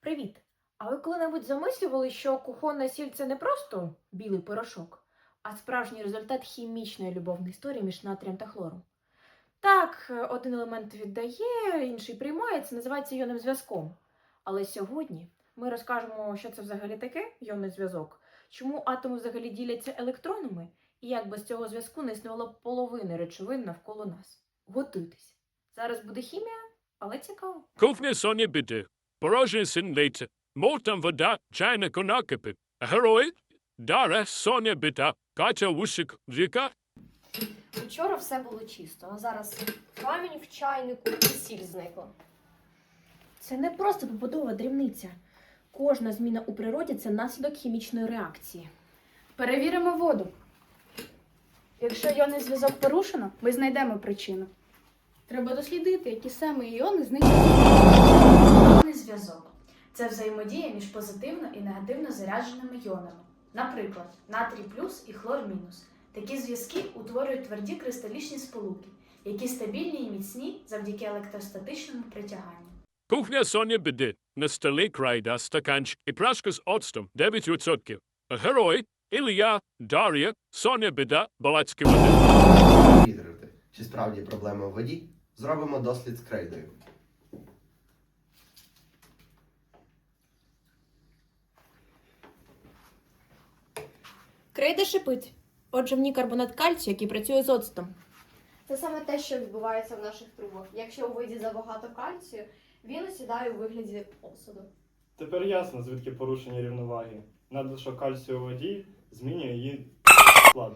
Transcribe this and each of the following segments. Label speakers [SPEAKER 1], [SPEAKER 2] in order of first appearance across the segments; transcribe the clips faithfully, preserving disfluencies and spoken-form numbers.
[SPEAKER 1] Привіт! А ви коли-небудь замислювали, що кухонна сіль це не просто білий порошок, а справжній результат хімічної любовної історії між натрієм та хлором? Так, е, один елемент віддає, інший приймає, це називається іонним зв'язком. Але сьогодні ми розкажемо, що це взагалі таке іонний зв'язок, чому атоми взагалі діляться електронами, і як без цього зв'язку не існувало б половини речовин навколо нас. Готуйтесь! Зараз буде хімія, але цікаво.
[SPEAKER 2] Кухня Соня біди. Порожній син лейте. Молтам вода, чайник накипить. Герой, Дара, Соня біда. Катя Вусик, Віка.
[SPEAKER 3] Вчора все було чисто, а зараз камінь в чайнику і сіль зникла.
[SPEAKER 1] Це не просто побутова дрібниця. Кожна зміна у природі – це наслідок хімічної реакції.
[SPEAKER 4] Перевіримо воду. Якщо іонний зв'язок порушено, ми знайдемо причину. Треба дослідити, які саме іони зникли. Іонний зв'язок – це взаємодія між позитивно і негативно зарядженими іонами. Наприклад, натрій плюс і хлор мінус. Такі зв'язки утворюють тверді кристалічні сполуки, які стабільні і міцні завдяки електростатичному притяганню.
[SPEAKER 2] Кухня Соня біди. На столі крайда, стаканчик і пляшка з оцтом дев'ять відсотків. Герой, Ілля, Дар'я, Соня біда, балацькі води.
[SPEAKER 5] Перевірити, чи справді проблема у воді, зробимо дослід з крейдою.
[SPEAKER 1] Крейда шипить. Отже, в ній карбонат кальцію, який працює з оцтом.
[SPEAKER 3] Це саме те, що відбувається в наших трубах. Якщо у воді забагато кальцію, він осідає у вигляді осаду.
[SPEAKER 6] Тепер ясно, звідки порушення рівноваги. Надлишок кальцію у воді змінює її склад.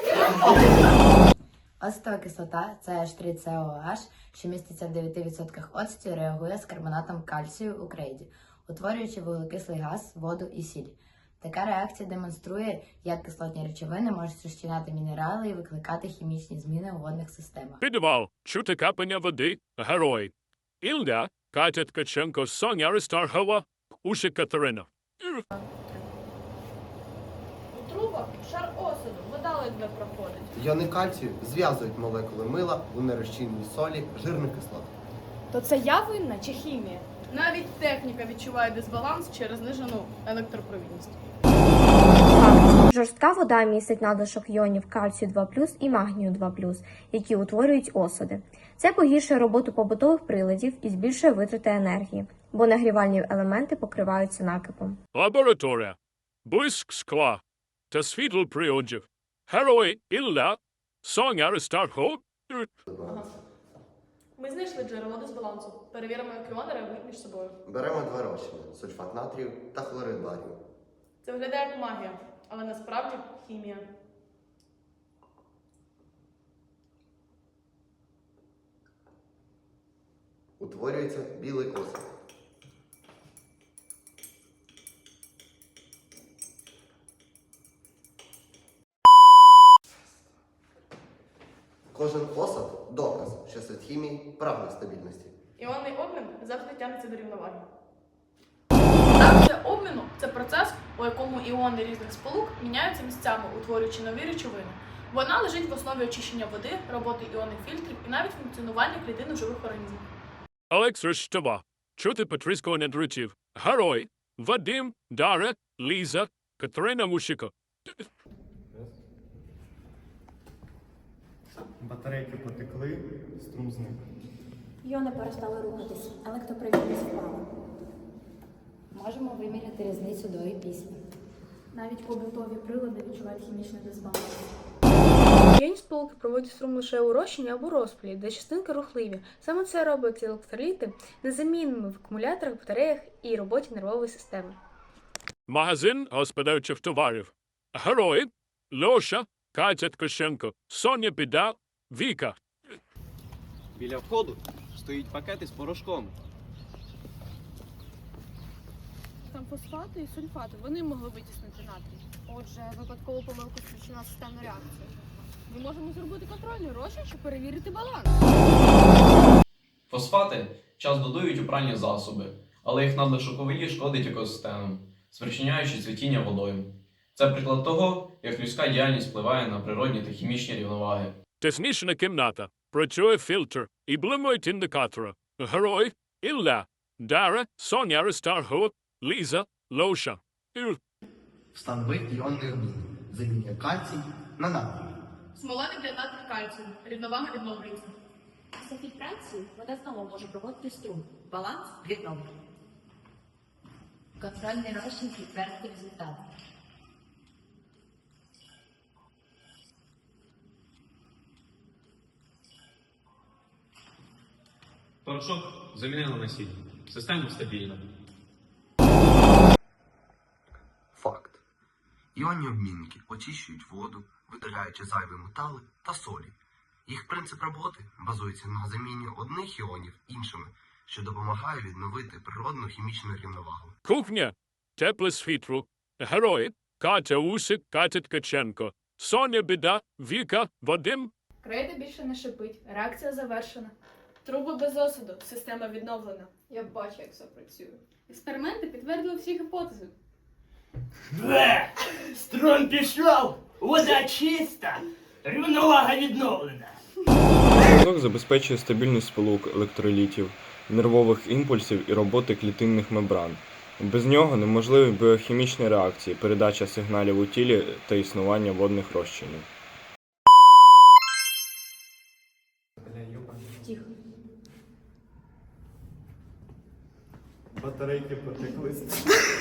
[SPEAKER 7] Оцтова кислота це ейч три це о аш, що міститься в дев'яти відсотках оцту, реагує з карбонатом кальцію у крейді, утворюючи вуглекислий газ, воду і сіль. Така реакція демонструє, як кислотні речовини можуть розчиняти мінерали і викликати хімічні зміни у водних системах.
[SPEAKER 2] Підвал, чути капання води. Герой, Ілля, Катя Ткаченко, Соня Аристархова, Уші Катерина.
[SPEAKER 4] У трубах шар осаду, вода ледве проходить.
[SPEAKER 5] Йони кальцію зв'язують молекули мила у нерозчинній солі жирних кислот.
[SPEAKER 4] То це я винна чи хімія? Навіть техніка відчуває дисбаланс через знижену електропровідність.
[SPEAKER 8] Жорстка вода містить надлишок іонів кальцію два плюс і магнію два плюс, які утворюють осади. Це погіршує роботу побутових приладів і збільшує витрати енергії, бо нагрівальні елементи покриваються накипом.
[SPEAKER 2] Лабораторія. Блиск скла та світло приладів. Герой, Ілля, Соня Аристархова.
[SPEAKER 4] Ми знайшли джерело дисбалансу. Перевіримо, як іони реагують між собою.
[SPEAKER 5] Беремо два розчини – сульфат натрію та хлорид барію.
[SPEAKER 4] Це виглядає як магія, але насправді хімія.
[SPEAKER 5] Утворюється білий осад. Кожен осад – доказ, що світ хімії прагне стабільності.
[SPEAKER 4] Іонний обмін завжди тягнеться до рівноваги. Реакція обміну – це процес, у якому іони різних сполук міняються місцями, утворюючи нові речовини. Вона лежить в основі очищення води, роботи іонних фільтрів і навіть функціонування клітин у живих організмів.
[SPEAKER 2] Олекс Рештова, чути потріскування недритів. Герой, Вадим, Дара, Ліза, Катерина Мушіко.
[SPEAKER 6] Батарейки потекли, струм зник.
[SPEAKER 1] Іони перестали рухатись, електропровідність впала.
[SPEAKER 7] Можемо виміряти різницю до і після.
[SPEAKER 1] Навіть побутові прилади відчувають хімічний дисбаланс.
[SPEAKER 9] Іонні сполуки проводять струм лише у розчині або розпилі, де частинки рухливі. Саме це робить електроліти незамінними в акумуляторах, батареях і роботі нервової системи.
[SPEAKER 2] Магазин господарчих товарів. Герой, Льоша, Катя Ткаченко, Соня Біда, Віка.
[SPEAKER 10] Біля входу стоїть пакети з порошком.
[SPEAKER 4] Там фосфати і сульфати, вони могли витіснити натрій.
[SPEAKER 3] Отже, випадкову помилку спричинила системну реакцію.
[SPEAKER 4] Ми можемо зробити контрольний розчин, щоб перевірити баланс.
[SPEAKER 10] Фосфати час додають у пральні засоби, але їх надлишок у воді шкодить екосистемам, спричиняючи цвітіння водою. Це приклад того, як людська діяльність впливає на природні та хімічні рівноваги.
[SPEAKER 2] Технічна кімната. Працює фільтр і блимають індикатори. Герой, Ілля, Дара, Соня Аристархова, Ліза, Лоша, Ір.
[SPEAKER 5] Встанови іонний обмін. Замінює кальцій на натрій.
[SPEAKER 4] Смола не натрій кальцію. Рівновага відновлюється.
[SPEAKER 7] Після фільтрації вода знову може проводити струм. Баланс відновлений. Контрольний розчин підтвердить результат.
[SPEAKER 10] Порошок замінили на сіль. Система стабільна.
[SPEAKER 5] Факт. Іонні обмінники очищують воду, видаляючи зайві метали та солі. Їх принцип роботи базується на заміні одних іонів іншими, що допомагає відновити природну хімічну рівновагу.
[SPEAKER 2] Кухня, тепле світло, герої, Катя Усик, Катя Ткаченко, Соня Біда, Віка, Вадим.
[SPEAKER 4] Крейда більше не шипить. Реакція завершена. Труби без осаду. Система відновлена.
[SPEAKER 3] Я бачу, як це працює.
[SPEAKER 4] Експерименти підтвердили всі гіпотези.
[SPEAKER 11] Бе! Струм пішов! Вода чиста! Рівновага відновлена!
[SPEAKER 6] Зв'язок забезпечує стабільність сполук електролітів, нервових імпульсів і роботи клітинних мембран. Без нього неможливі біохімічні реакції, передача сигналів у тілі та існування водних розчинів.
[SPEAKER 1] Тихо.
[SPEAKER 6] Батарейки потеклися.